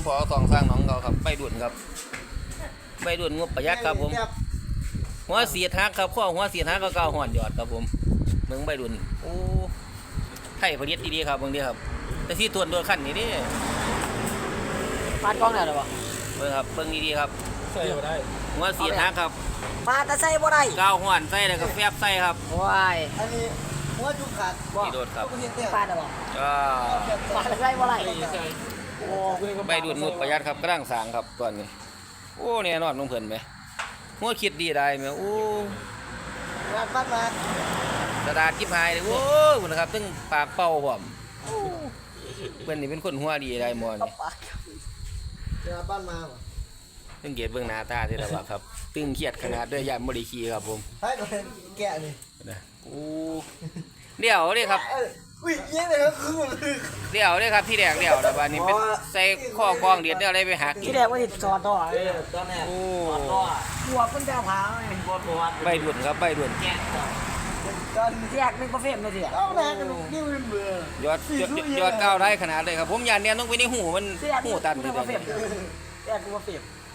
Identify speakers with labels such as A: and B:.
A: พอสองสร้างน้องเขาครับใบดุนครับใบดุนงบประหยัดครับผมหัวเสียทักครับข้อหัวเสียทักก็เก่าห่อนหยอดครับผมเมืองใบดุนโอ้ไทยผลิตดีๆครับบางทีครับแต่ที่ตัวขั้นนี้ดิ
B: ปาดกล้องได้หรอวะ
A: เบิ่งครับเบิ่งดีๆครับ
C: ใส่บ่ได้
A: หัวเสียทักครับ
B: ปาดแต่ใส่บ่ได้
A: เก่าห่อนใส่แล้วก็แฟบใส่ครับ
B: ว้าย
D: อันนี้หัวจุกขาด
A: นี่โดดครับ
B: ปาดได้บ่ปาดใส่บ่ได้โอ้
A: ใบดุนงบประหยัดครับกระด้างสางครับตอนนี้โอ้เนี่ยนอนลงเพิ่นไหมหัวคิดดีได้ไหมโอ้
D: งานปั้นมาก
A: ระดาษกิ๊บหายเลยโอ้คุณนะครับตึ้งปากเป่าผมเพิ่นนี่เป็นคนหัวดีได้หมดนี่
D: งานปั้นมา
A: ตึ้งเกียรติเบื้องหน้าตาที่ระบาครับตึ้งเครียดขนาดด้วยยานบริคีครับผม
D: ให้โดนแกะนี่
A: นะโอ้เดี๋ยวเลยครับ
D: อุ้ยเยี่ยเลยครับคือ
A: เดี๋ยวเลยครับที่แรกเดี๋ยวนะบ้านนี้เป็นใส่ข้อกองเดียดอะไรไปหัก
B: ที่แรกว่าจะจอดต่อ
D: ตอนนี้
A: โอ้
B: หัวคนจะพา
A: ใบด่วนครับใบด่วน
B: แยกเป็นประเภทเลยสิ
D: เอาแรงกันดิ้วเบื่
A: อยอดก้าวได้ขนาดเลยครับผมยานเนี่ยต้องไปในหูมันหูตัน
B: เลยแยกเป็นประเภท